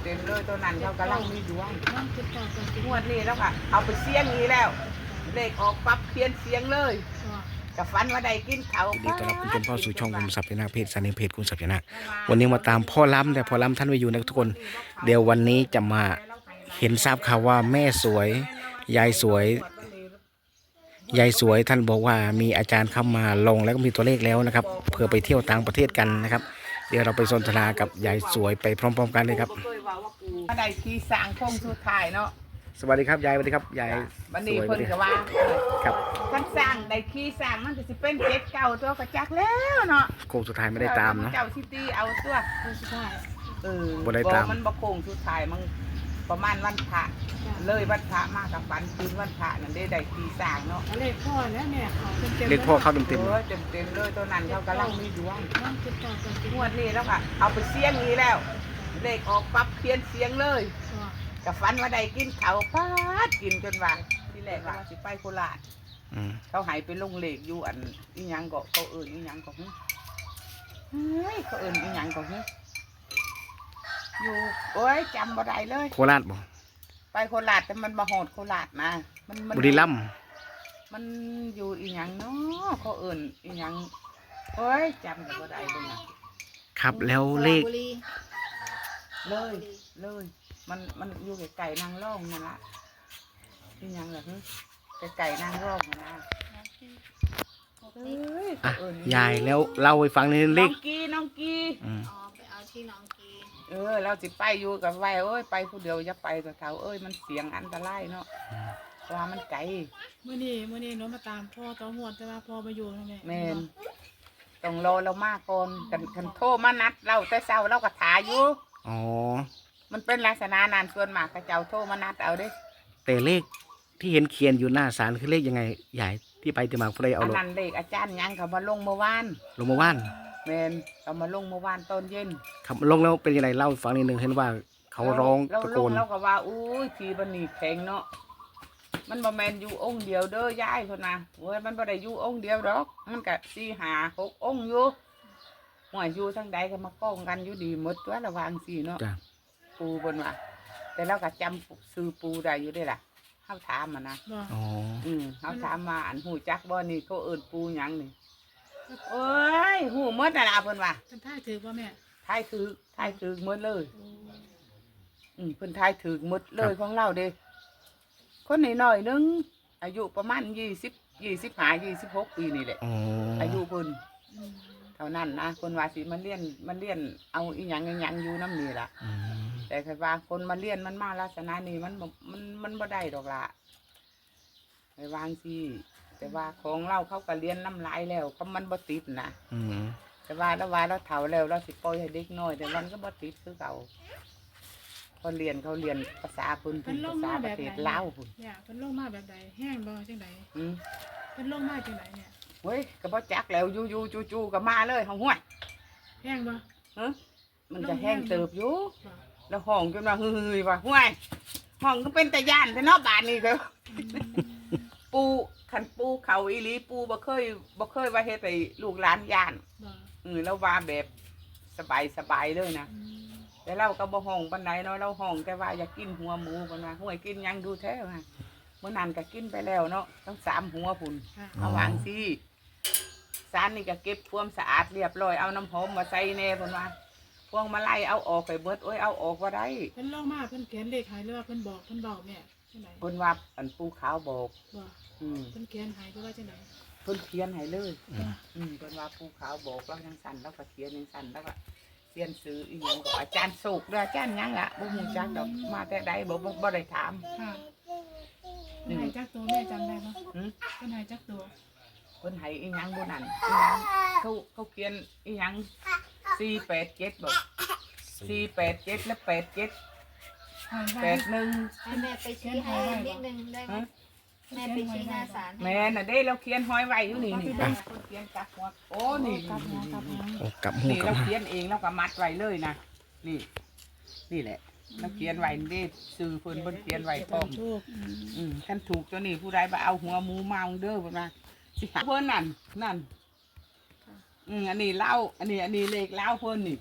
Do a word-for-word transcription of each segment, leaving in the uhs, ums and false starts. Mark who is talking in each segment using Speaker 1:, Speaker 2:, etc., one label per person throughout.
Speaker 1: ต็มๆเลยตัวนั้นเขากำลังมีดวง
Speaker 2: น้องติดต่อกันติด
Speaker 1: งวดนี้แล้วค่ะเอาไปเสียงนี้แล้วเลขออกปั๊บเพี้ยนเสียงเลยกับฟันว่าได้กินเขา
Speaker 3: ยินดีต้อนรับคุณผู้ชมเข้าสู่ช่องคุณศัพย์ยนาเพจสันนิเพจคุณศัพย์ยนาวันนี้มาตามพ่อล้ำแต่พ่อล้ำท่านไม่อยู่นะทุกคนเดี๋ยววันนี้จะมาเห็นทราบข่าวว่าแม่สวยยายสวยยายสวยท่านบอกว่ามีอาจารย์เข้ามาลงแล้วก็มีตัวเลขแล้วนะครับเพื่อไปเที่ยวต่างประเทศกันนะครับเดี๋ยวเราไปสนทนากับยายสวยไปพร้อมๆกันเลยครับ
Speaker 1: ว่าได้ที่สร้างโค้งสุดท้ายเนาะ
Speaker 3: สวัสดีครับยายสวัสดีครับยาย
Speaker 1: วัน
Speaker 3: ส
Speaker 1: นี้
Speaker 3: วย
Speaker 1: เพิ่นก็ว่า
Speaker 3: ครับ
Speaker 1: ท่านสร้างได้ที่สร้างมันก็สิเป็นเจ็ดเก่าตัวกระจักแล้วเนาะ
Speaker 3: โค้งสุดท้ายไม่ได้ตามนะ
Speaker 1: เจ้าซิตี้เอาตัว
Speaker 2: คนสุดท้าย
Speaker 1: เออ
Speaker 3: บ่ได้ตาม
Speaker 1: มันบ่โค้งสุดท้ายมันประมาณวันพระเลยวันพระมากับฝันคืนวันพระนั่นได้ได้ที่สร้างเนาะ
Speaker 2: เลขพ่อแล้วเนี่ยเขาเต็มเต็ม
Speaker 3: เลขพ่อเข้าเต็ม
Speaker 1: เออเต็มๆเลยตัวนั้นเขากำลังมีดวง
Speaker 2: น้องติดต่อกันติด
Speaker 1: งวดนี้แล้วค่ะเอาไปเสียงนี้แล้วเลขออกปั๊บเพี้ยนเสียงเลยกับฟันว่าได้กินเขาป้าดกินจนว่าที่แรกว่าสิไปโคราช
Speaker 3: ๆอืม
Speaker 1: เขาหายไปลงเลขอยู่อันอีหยังก็เขาเอิญอีหยังก็หึเฮ้ยเขาเอิญอีหยังก็หึอยู่โอ้ยจำบ่ได้เลย
Speaker 3: โคราชบ่
Speaker 1: ไปโคราชแต่มันมาโหดโคราชนะมันมัน
Speaker 3: บุรีรัมย์
Speaker 1: มันอยู่อีหยังเนาะเขาเอิญอีหยังโอ้ยจำก็บ่ได้เลยนะครับ
Speaker 3: แล้วเลข
Speaker 1: เลยเลยมันมันอยู่ไก่นางร่องนั่นละอีหยังเหรอฮึไก่นางร่องนั่นนะเอ้ย
Speaker 3: อ่ะ
Speaker 1: เอิญ
Speaker 3: ยายแล้วเล่าให้ฟังในเล
Speaker 1: น้อ
Speaker 3: ข
Speaker 1: งกีน้องกี
Speaker 3: อืม
Speaker 2: อ๋อไปเอาที่น้องกี
Speaker 1: เออเราสิไปอยู่กับไว้เอ้ยไปผู้เดียวจะไปกับเขาเอ้ยมันเสียงอันตรายเนาะว่ามันไกล
Speaker 2: เมื่อนี้เมื่อนี้หนูมาตามพ่อต่อหัวแต่ว่าพ่อมาอยู่นะแม่
Speaker 1: แม่นต้องรอเรามากก่อนกันกันโทรมานัดเราแต่เช้าเราก็ถาอยู่
Speaker 3: อ๋อ
Speaker 1: มันเป็นลักษณะนานส่วนมากกระเจ้าโทรมานัดเอาเด้
Speaker 3: แต่เลขที่เห็นเขียนอยู่หน้าศาลคือเลขยังไงยายที่ไปที่มาผู้ใดเอา
Speaker 1: อัน
Speaker 3: ลง
Speaker 1: นั้นเลขอาจารย์ยังเขามาลงเมื่อวาน
Speaker 3: ลงมาว่าน
Speaker 1: แมนเขามาลงเมื่อวานตอนเย็น
Speaker 3: ครับลงแล้วเป็นยังไงเล่าให้ฟังนิดนึงเห็นว่าเขาร้อง
Speaker 1: เรา
Speaker 3: ตะ
Speaker 1: ล
Speaker 3: โก
Speaker 1: ง
Speaker 3: น
Speaker 1: เราก็ว่าอุ้ยทีบันนี่แข็งเนาะมันบ่แมนอยู่องค์เดียวเด้อยายคนนะโอ้ยมันบ่ได้อยู่องค์เดียวดอกมันก็สี่หาหกองค์อยู่หัวอยู่ทั้งใดก็มาก้องกันอยู่ดีหมดตัวระหวางสี่เนาะ
Speaker 3: จ้ะ
Speaker 1: ปูบนว่าแต่เราก็จำซื้อปูได้อยู่ได้ล่ะเขาถามมานะ
Speaker 2: บ่
Speaker 3: อ๋อ
Speaker 1: อืมเขาถามมาอันหูจักบ่นี่เขาเอิ้นปูหยังนี่โอ้ยหูหมดน่ะล่ะเพิ่นว่า
Speaker 2: เป็นท่ายถือว่าแม่
Speaker 1: ทายถือทายถือหมดเลย อืมเพิ่นทายถือหมดเลยของเราเด้คนน้อยๆนึงอายุประมาณยี่สิบยี่สิบห้ายี่สิบหกปีนี่แหละ
Speaker 3: อ๋อ
Speaker 1: อายุเพิ่น
Speaker 2: อืม
Speaker 1: เท่านั้นนะคนว่าสิมันเลี้ยนมันเลี้ยนเอาอีหยังอีหยังอยู่น้ำนี่ล่ะ
Speaker 3: อืม
Speaker 1: แต่คือว่าคนมาเลี้ยนมันมาลักษณะนี้มันบ่มันมันบ่ได้ดอกละไปวางสิแต่ว่าของเราเขาก็เลี้ยนน้ำลายแล้วเขามันบ่ติดนะ
Speaker 3: อืม
Speaker 1: แต่ว่าแล้วว่าเราเฒ่าแล้วเราสิปล่อยให้เด็กน้อยแต่มันก็บ่ติดคือเก่าเขาเรียนเขาเรียนภาษาพุ่น
Speaker 2: เป็
Speaker 1: พุ่
Speaker 2: น
Speaker 1: น
Speaker 2: โร
Speaker 1: ภา
Speaker 2: ค
Speaker 1: ษา
Speaker 2: มา
Speaker 1: ป
Speaker 2: แบ
Speaker 1: ระ
Speaker 2: บ
Speaker 1: เท
Speaker 2: ไหน
Speaker 1: ศลาวพุ่น
Speaker 2: เนี่ยเป็นโรคมาแบบใดแห้งบ่จังได
Speaker 1: อืม
Speaker 2: เป็นโรคมาจังไดเนี่ย
Speaker 1: เว้ยก็บ่จักแล้วอยู่อยู่จู่จู่ก็มาเลยเฮาห้วย
Speaker 2: แห้งบ่
Speaker 1: ฮะมันจะแห้งเติบอยู่
Speaker 2: บ่
Speaker 1: แล้วห้องจนว่าเฮ้ยว่าห้วยห้องก็เป็นตะย่านแต่เนอกบ้านนี่ก็ ปูขันปูเขาอีหลีปูบ่เคยบ่เคยว่าเฮ็ดให้ลูกหลานย่าน
Speaker 2: บ่
Speaker 1: เออแล้วว่าแบบสบายสบายเลยนะ
Speaker 2: อืม
Speaker 1: แต่เราก็บ่ห้องปานใดเนาะเราห้องแต่ว่าอยากกินหัวหมูเพิ่นว่าห้วยกินหยังดูแท้ว่าเมื่อนั้นก็กินไปแล้วเนาะทั้งสามหัวพุ่น
Speaker 2: ค่ะ
Speaker 1: เอาวางสิสารนี่ก็เก็บความสะอาดเรียบร้อยเอาน้ำหอมมาใส่แน่เพิ่นว่าพวงมาลัยเอาออกไปเบิดโอ้ยเอาออกบ่ได้
Speaker 2: เพิ่นโรคมาเพิ่นเขียนเลขให้หรือว่าเพิ่นบอกเพิ่นบอกแม่จังได
Speaker 1: เพิ่นว่าอันปูขาวบอก
Speaker 2: บ่
Speaker 1: อืม
Speaker 2: เพิ่นเขียนให้หรือว่าจังได
Speaker 1: เพิ่นเขียนให้เลย
Speaker 3: อืม
Speaker 1: อืมเป็นว่าภูเขาบอกแล้วยังสั่นแล้วก็เขียนยังสั่นแล้วก็เขียนซื้ออีหยังก็อาจารย์สุกเด้ออาจารย์หยังล่ะบ่ฮู้จักดอกมาแต่ใดบ่บ่บ่ได้ถาม
Speaker 2: ค่ะเพิ่นให้จักตัวแม่จำได้บ่
Speaker 1: หึ
Speaker 2: เพิ่นให้จักตัว
Speaker 1: เพิ่นให้อีหยังบ่นั่นอีหยังเขาเขาเขียนอีหยังสี่แปดเจ็ดบ่สี่แปดเจ็ดและแปดเจ็ด
Speaker 2: ให้
Speaker 1: แป
Speaker 2: ไว้
Speaker 1: ดหนึ่ง
Speaker 4: ให้แม่ไปชี้ให้นิดนึงได้ไหม
Speaker 1: ฮะ
Speaker 4: แม่ไปชี้หน้าศาลให้
Speaker 1: แม่น่ะเด้เราเขียนห้อยไว้อยู่นี่นี่เพิ่นเขียนจับหัวโอ้นี่
Speaker 2: กลับหัวกลับหัว
Speaker 3: โอ้กลับหู
Speaker 1: นี่
Speaker 3: กลั
Speaker 1: เรา
Speaker 3: บหา
Speaker 1: เขียนเองแล้วก็มัดไว้เลยนะนี่ นี่แหละเราเขียนไว้นี่ซื้อเพิ่นเพิ่นเขียนไว้พร้อม
Speaker 2: โชค
Speaker 1: อืมท่านถูกตัวนี้ผู้ใดมาเอาหัวหมูมาเอาเด้อเพิ่นมาสิหาเพิ่นนั่นนั่นอืมอันนี้เล่าอันนี้อันนี้เลขเล่าเพิ่นนี่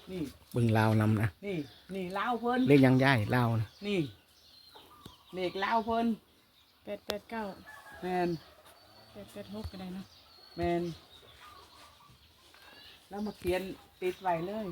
Speaker 1: นี่
Speaker 3: เบิ่งลาวนำนะ
Speaker 1: นี่นี่เล่าเพิ่น
Speaker 3: เลขยังย่ายลาวนะ
Speaker 1: นี่เลขเล่าเพิ่น
Speaker 2: แปดแปดเก้า
Speaker 1: แมน
Speaker 2: แปดแปดหกก็ได้เนาะ
Speaker 1: แมนแล้วมาเขียนติดไว้เลย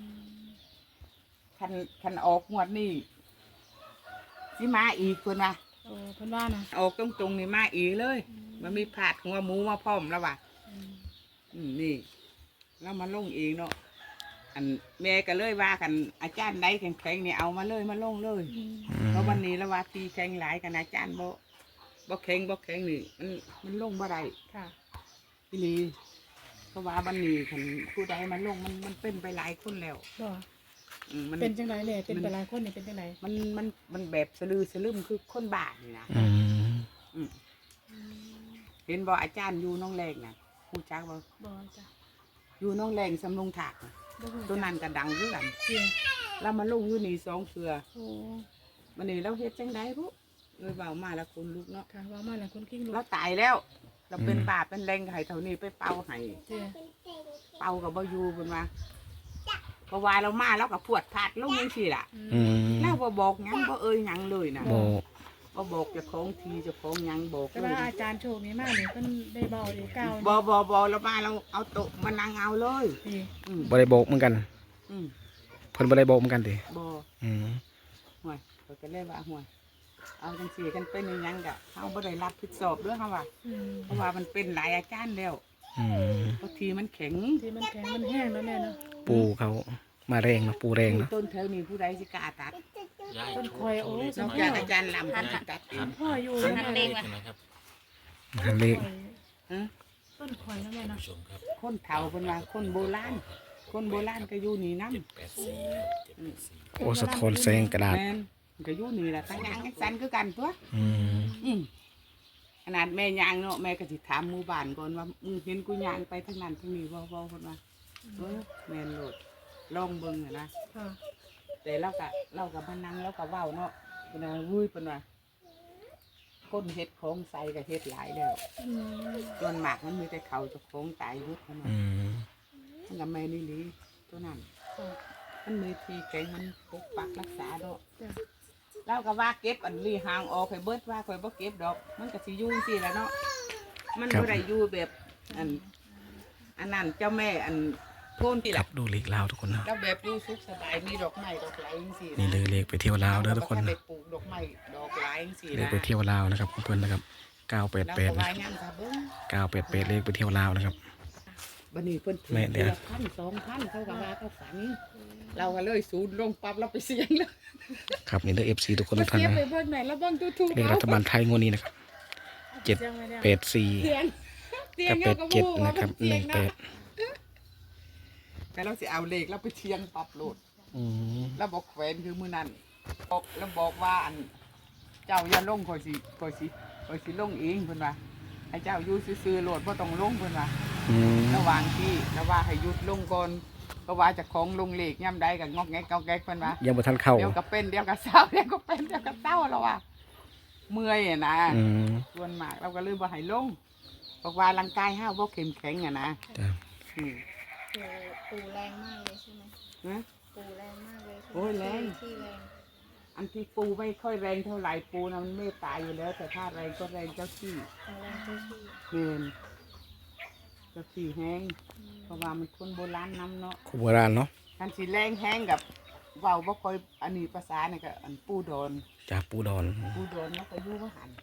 Speaker 1: คันคันออกงวดนี่สิมาอีกคนว่า
Speaker 2: โอ้เพิ่นว่านะ
Speaker 1: ออกตรงตรงๆนี่มาอีกเลย มันมีผาดหัวหมูมาพร้อมแล้วว่ะ
Speaker 2: อืม
Speaker 1: อืมนี่แล้วมาลงเองเนาะอันแม่ก็เลยว่ากันอาจารย์ใดแข็งๆนี่เอามาเลยมาลงเลย
Speaker 2: อืม
Speaker 3: อืม
Speaker 1: เพราะวันนี้แล้วว่าทีแข็งหลายกันอาจารย์บ่บ่แข็งบ่แข็งนี่มันมันลงบ่ได้
Speaker 2: ค่ะ
Speaker 1: พี่ลีเพราะว่าวันนี้คันผู้ใดมันลงมันมันเป็นไปหลายคนแล้ว
Speaker 2: บ่
Speaker 1: อืมมัน
Speaker 2: เป็นจังไดเลยเป็นไปหลายคนนี่เป็นจังได
Speaker 1: มันมันมันแบบสลือสลืมคือคนบ้านี่นะ
Speaker 3: อืม
Speaker 1: อืมเห็นบ่อาจารย์อยู่น้องแรงน่ะผู้จักบ่
Speaker 2: บ่จ้ะ
Speaker 1: อยู่น้องแรงสำลงถากน่ะ
Speaker 2: บ่ฮู้
Speaker 1: ตัวนั้นก็ดังคือกัน
Speaker 2: เสีย
Speaker 1: แล้วมาลงอยู่นี่สองเทื่อ
Speaker 2: โอ้
Speaker 1: มันนี่เราเฮ็ดจังไดพุเลยเบามาแล้วคนลุกเนาะ
Speaker 2: ค่ะว่ามาแล้วคนกิ้งลูก
Speaker 1: เราตายแล้วเราเป็นบาปเป็นแรงให้เท่านี้ไปเป่าให้
Speaker 2: เสีย
Speaker 1: เป่ากับบ่อยู่เพิ่นว่าเพราะว่าเรามาแล้วก็พวดพลาดลงจังซี่ล่ะ
Speaker 3: อืม
Speaker 1: แล้วบ่บอกหยังบ่เอ่ยหยังเลยนะ
Speaker 3: โบ
Speaker 1: บ่บอกเจ้าของทีเจ้าของหยังบอก
Speaker 2: แต่
Speaker 1: เล
Speaker 2: ว่าย อาจารย์โชคนี่มาเนี่ยเพิ่นได้เบาได้ก้าว
Speaker 1: บ่บ่บ่เรามาเราเอาโต๊ะมานั่งเอาเลย
Speaker 2: นี่
Speaker 1: อืม
Speaker 3: บ่ได้โบกเหมือนกัน
Speaker 1: อืม
Speaker 3: เพิ่นบ่ได้โบกเหมือนกันติ
Speaker 1: บ่
Speaker 3: อืม
Speaker 1: ห่วยเขาก็เลยว่าห่วยเอาจังซี่กันเป็นอีหยังก็เฮาบ่ได้รับผิดชอบเด้อเฮาว่า
Speaker 2: อืม
Speaker 1: เพราะว่ามันเป็นหลายอาจารย์แล้ว
Speaker 3: อืม
Speaker 1: บางทีมันแข็ง
Speaker 2: ที่มันแข็งมันแห้งแล้วแม่เนาะ
Speaker 3: ปูเขามาแรงเนาะปูแรงเนาะ
Speaker 1: ต้นแถวนี้ผู้ใดสิกล้าตัด
Speaker 2: ต้นคอยโอ้
Speaker 1: นอกจากอาจารย์ลำสิตัดเอง
Speaker 2: พ่ออยู่
Speaker 4: หันเลขมา
Speaker 3: หันเลข
Speaker 1: ฮะ
Speaker 2: ต้นคอยแล้วแม่เนาะ
Speaker 1: คนเฒ่าเพิ่นว่าคนโบราณคนโบราณก็อยู่นี่นำ
Speaker 3: โอ้สะท้อนแสงกระดาษ
Speaker 1: แม่นก็อยู่นี่ล่ะตั้งยางสันคือกันตัว
Speaker 3: อืม
Speaker 1: อืมขนาดแม่ยางเนาะแม่ก็สิถามหมู่บ้านก่อนว่ามึงเห็นกูยางไปทางนั้นทางนี้บ่บ่เพิ่นว่าเออแม่นโลดลองเบิ่งอะนะ
Speaker 2: ค่ะ
Speaker 1: แต่เราก็เราก็มานั่งเราก็เว้าเนาะเพิ่นว่าวุ้ยเพิ่นว่าคนเฮ็ดของใส่ก็เฮ็ดหลายแล้ว
Speaker 2: อืม
Speaker 1: ส่วนมากมันมีแต่เขาเจะของตายเบิดเท่านั้น
Speaker 3: อืม
Speaker 1: มันก็แม่นี่หลีตัวนั้น
Speaker 2: ค่ะ
Speaker 1: มันมีทีแข็งมันปกปักรักษาเนาะ
Speaker 2: จ้ะ
Speaker 1: เราก็ว่าเก็บอันลีหางออกให้เบิดว่าข่อยบ่เก็บดอก มันก็สิอยู่จังซี่แหละเนาะมันบ่ได้อยู่แบบอันอันนั้นเจ้าแม่อันโทนที่
Speaker 3: ครั
Speaker 1: ล่ะ
Speaker 3: บดูเลขลาวทุกคนเนาะ
Speaker 1: แล้วแบบอยู่สุขสบายมีดอกไม้ดอกไหลจังซี่
Speaker 3: นี่เลยเลขไปเที่ยวลาวเด้อทุกคน
Speaker 1: ได้
Speaker 3: เนาะ
Speaker 1: ปลูกดอกไม้ดอกไหลจังซี่
Speaker 3: เลข
Speaker 1: นะ
Speaker 3: ไปเที่ยวลาวนะครับเพื่อนๆนะครับเก้าแปด
Speaker 1: แล้ว
Speaker 3: แปด
Speaker 1: ก็
Speaker 3: นะ
Speaker 1: ว่ายังค่ะเบิ่ง
Speaker 3: เก้าแปดแปดเลขไปเที่ยวลาวนะครับ
Speaker 1: บัดนี้เพิ่นถือ
Speaker 3: แม่เดี๋ยว
Speaker 1: ละพันสองพันเขาก็ว่าเขาฝัน เราก็เลยศูนย์ลงปั๊บเราไปเสี่ยงเลย
Speaker 3: ครับนี่เด้อเอฟซีทุกคนทุกท่าน
Speaker 1: เก็บ
Speaker 3: นะ
Speaker 1: ไปเบิ่งไหนแล้วเบิ่งถูกๆ
Speaker 3: เลขรัฐบาลไทยงวดนี้นะครับเจ็ด
Speaker 2: เสียงไว้แล้ว
Speaker 3: แปดสี่
Speaker 1: เสี่ยงเสี่ย
Speaker 3: กั
Speaker 1: ง
Speaker 3: บแปดเจ็ด
Speaker 1: อา
Speaker 3: นะครับ
Speaker 1: ว่า
Speaker 3: หนึ่งแปด
Speaker 1: แต่เราสิเอาเลขเราไปเชียงปรับโหลด
Speaker 3: อืม
Speaker 1: แล้วบอกแขวนคือมือนั้นบอกแล้วบอกว่าอันเจ้าอย่าลงคอยสิคอยสิคอยสิลงเองเพิ่นว่าให้เจ้าอยู่ซื่อๆโหลดบ่ต้องลงเพิ่นว่า
Speaker 3: อืม
Speaker 1: ระหว่างที่แล้วว่าให้หยุดลงก่อนก็ว่าเจะของลงเลขย่ำใดก็งอกแงกงอกแงกเพิ่นว่า
Speaker 3: ยังบ่ทันเข้า
Speaker 1: เดี๋ยวก็เป็นเดี๋ยวก็เศร้าเดี๋ยวก็เป็นเดี๋ยวก็เศร้าแล้วว่าเมื่อยอ่ะนะ
Speaker 3: อืม
Speaker 1: ส่วนมากเราก็เลยบ่ให้ลงบอกว่าร่างกายห้าวบ่เข้มแข็งอ่ะนะ
Speaker 3: จ้ะ
Speaker 1: อืม
Speaker 4: ปูปูแรงมากเลยใช่ไหม
Speaker 1: นะ
Speaker 4: ปูแรงมากเลยใช่ไหม
Speaker 1: โอ้ยแรง
Speaker 4: ที่แรง
Speaker 1: อันที่ปูไม่ค่อยแรงเท่าไหร่ปูนะมันไม่ตายอยู่แล้ว แต่ถ้าแรงก็แรงเจ้าที่
Speaker 4: เอาแรงเจ้าที่
Speaker 1: เงินเจ้าที่แห้งเพราะว่ามันคนโบราณนำเนาะ
Speaker 3: ครูโบราณเนาะ
Speaker 1: คันสีแรงแห้งกับเว้าบ่ค่อยอันนี้ภาษาเนี่ยก็อันปูดอน
Speaker 3: จากปูดอน
Speaker 1: ปูดอนเนาะก็อยู่ว่าหัน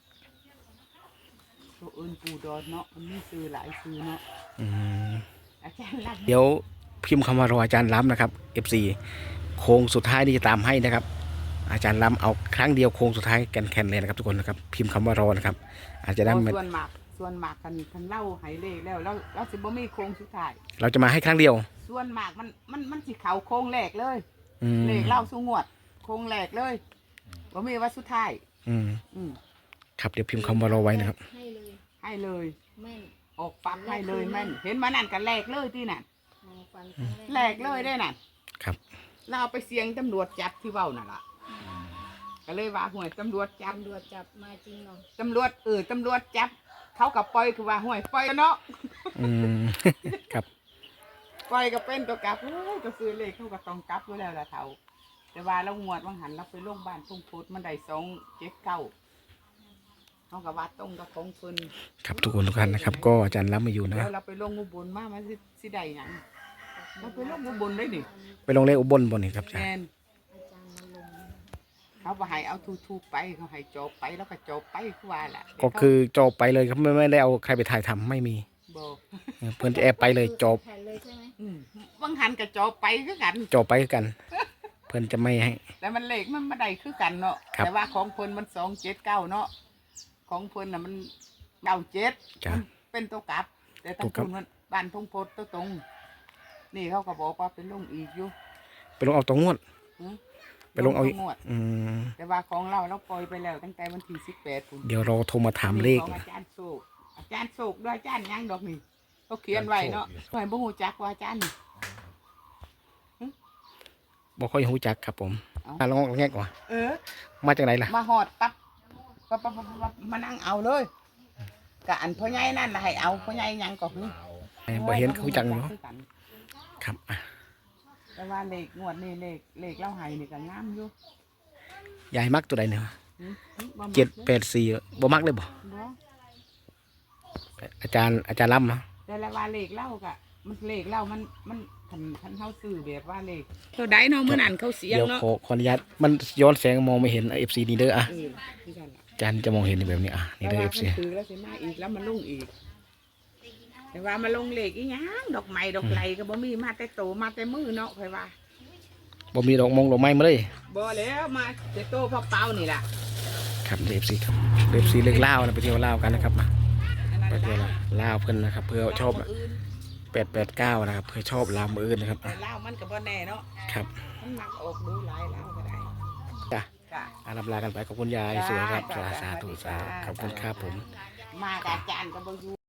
Speaker 1: ตัวอื่นปูดอนเนาะมันมีซื้อหลายซื้อเนาะ
Speaker 3: อืม
Speaker 1: อาจารย์รัก
Speaker 3: เดี๋ยวพิมพ์คำว่ารออาจารย์ล้ำนะครับ เอฟ ซี โค้งสุดท้ายนี่จะตามให้นะครับ อาจารย์ล้ำเอาครั้งเดียวโค้งสุดท้ายแกนๆเลยนะครับทุกคนนะครับ พิมพ์คำว่ารอนะครับ อาจจะได้ไม่
Speaker 1: ส่วนมากส่วนมากกันคันเล่าไหเลขแล้วแล้วแล้วสิบ่มีโค้งสุดท้าย
Speaker 3: เราจะมาให้ครั้งเดียว
Speaker 1: ส่วนมากมันมันมันสิเขาโค้งแรกเลย
Speaker 3: อืม
Speaker 1: เลขเล่าสูงวด โค้งแรกเลยบ่มีว่าสุดท้าย
Speaker 3: อืม
Speaker 1: อืม
Speaker 3: ครับเดี๋ยวพิมพ์คำว่ารอไว้นะครับ
Speaker 4: ให้เลย
Speaker 1: ให้เลย
Speaker 4: แม่น
Speaker 1: ออกปั๊บให้เลยแม่นเห็นมานั่นกันแรกเลยที่นั่น
Speaker 4: มองฟันครั้ง
Speaker 1: แรกเลยได้นั่น
Speaker 3: ครับ
Speaker 1: เราเอาไปเสียงตำรวจจับที่เว้านั่นล่ะก็เลยว่าห่วยตำรวจจับ
Speaker 4: ตำรวจจับมาจริงเหรอ
Speaker 1: ตำรวจเออตำรวจจับ เขากับปล่อยคือว่าห่วยปล่อยเนาะ
Speaker 3: อืม ครับ
Speaker 1: ปล่อยก็เป็นตัวกลับโอ้ยก็ซื้อเลขเขาก็ต้องกลับอยู่แล้วล่ะเฒ่าแต่ว่าเรางวดบางหันเราไปโรงพยาบาลทุ่งพุทธมันได้สองเจ็ดเก้าเขาก็ว่าตรงกับของเพิ่น
Speaker 3: ครับทุกคนทุกท่านนะครับ ก็อาจารย์ล้ำมาอยู่นะ
Speaker 1: แล้วเราไปลงอุบลมามันสิสิได้หยังเราไปลงอุบลได้นี่
Speaker 3: ไปลงเลขอุบลบนนี่ครับอาจาร
Speaker 1: แม่
Speaker 3: ย์
Speaker 1: น
Speaker 4: อาจารย์มาลง
Speaker 1: เขาบ่ให้เอาทูๆไปเขาให้จบไปแล้วก็จบไปคือว่าล่ะ
Speaker 3: ก็คือจบไปเลยครับไม่ไม่ได้เอาใครไปถ่ายทำไม่มี
Speaker 1: บ่
Speaker 3: เพื่อนจะแอบไปเลยจบ
Speaker 4: แผ่นเลยใช่ไหม
Speaker 1: อืมบางหันก็จบไปคือกัน
Speaker 3: จบไปกัน เพื่อนจะไม่ให้
Speaker 1: แต่มันเลขมันบ่ได้คือกันเนาะ
Speaker 3: ครับ
Speaker 1: แต่ว่าของเพิ่นมันสองเจ็ดเก้าเนาะของเพิ่นน่ะมันเก้าเจ็ด
Speaker 3: จ้ะ
Speaker 1: มันเป็นตัวกลับ แต่ทาง
Speaker 3: ตัวกลับ
Speaker 1: เพิ่นมันบ้านทงโพดตัวตรง นี่เขาก็บอกว่าเป็นลงอีกอยู่
Speaker 3: ไปลงเอาตัวงวด
Speaker 1: หือ
Speaker 3: ไปลงเอาอีก
Speaker 1: งวด
Speaker 3: อืม
Speaker 1: แต่ว่าของเราเราปล่อยไปแล้วตั้งแต่วันที่สิบแปดพุ่น
Speaker 3: เดี๋ยวเราโทรมาถามเลข
Speaker 1: ของอาจารย์โศกอาจารย์โศกด้วยอาจารย์ยังดอกนี่เขาเขียนไว้เนาะหน่อยบ่ฮู้จักว่าอาจารย์นี่
Speaker 3: บอกค่อยหูจักครับผม
Speaker 1: เอ้า
Speaker 3: อ่ะลองแงกว่า
Speaker 1: เออ
Speaker 3: มาจากไหนล่ะ
Speaker 1: มาหอดปั๊บปั๊บปั๊บปั๊บปั๊บมานั่งเอาเลยกะอันพ่อใหญ่นั่นน่ะให้เอาพ่อใหญ่ยังก็คือ
Speaker 3: บ่เห็นเขาจังเนาะ
Speaker 1: คือกัน
Speaker 3: ครับอ่ะ
Speaker 1: แต่ว่าเลขงวดนี่เลขเลขเล่าให้นี่ก็งามอยู่
Speaker 3: ยายมักตัวใดเนี่ย
Speaker 1: หืมหืมบ่มัก
Speaker 3: เจ็ดแปดสี่บ่มักเลยบ่
Speaker 1: บ่
Speaker 3: อาจารย์อาจารย์ล้ำนะ
Speaker 1: แต่ละว่าเลขเล่ากะมันเลขเล่ามันมันคันคันเฮาซื้อแบบว่าเลขเท่าใดเนาะมื้อนั้นเขาเสียง
Speaker 3: เดี๋ยว
Speaker 1: เนาะ
Speaker 3: ขอขออนุญาตมันย้อนแสงมองไม่เห็นเอฟซีนี่เด้ออ่ะ
Speaker 1: เออคือกันล่ะ
Speaker 3: อาจารย์จะมองเห็นแบบนี้อ่ะนี่
Speaker 1: แต่
Speaker 3: เด้อ
Speaker 1: ว่า
Speaker 3: เอฟซี
Speaker 1: เพิ่นซื้อแล้วสิมาอีกแล้วมาลงอีก แต่ว่ามาลงเลขอีหยังดอกไม้ดอกไหลก็บ่มีมาแต่โตมาแต่มือเนาะค่อยว่า
Speaker 3: บ่มีดอกมงดอกไม้มาเลย
Speaker 1: บ่แล้วมาแต่โตเปล่าๆนี่ล่ะ
Speaker 3: ครับเอฟซีครับเอฟซีเลือกเล่าวนะไปเที่ยวเล่าวกันนะครับมา
Speaker 1: อันนั้น
Speaker 3: ไปเที่ยว
Speaker 1: ล่ะ
Speaker 3: เล่าวเพิ่นนะครับ เพื่อชอบแปดแปดเก้านะครับเพื่อชอบลาวมืออื่นนะครับ
Speaker 1: แต่
Speaker 3: อ่ะ
Speaker 1: เล่ามันก็บ่แน่เนาะ
Speaker 3: ครับ
Speaker 1: มันมักออกดูหลายเล่าก็ได้
Speaker 3: จ้ะ
Speaker 1: จ้ะ
Speaker 3: อ่ะลำลากันไปขอบคุณยายสวยครับสาธุสาธุขอบคุณครับผม
Speaker 1: มากับอาจารย์ก็บ่อยู่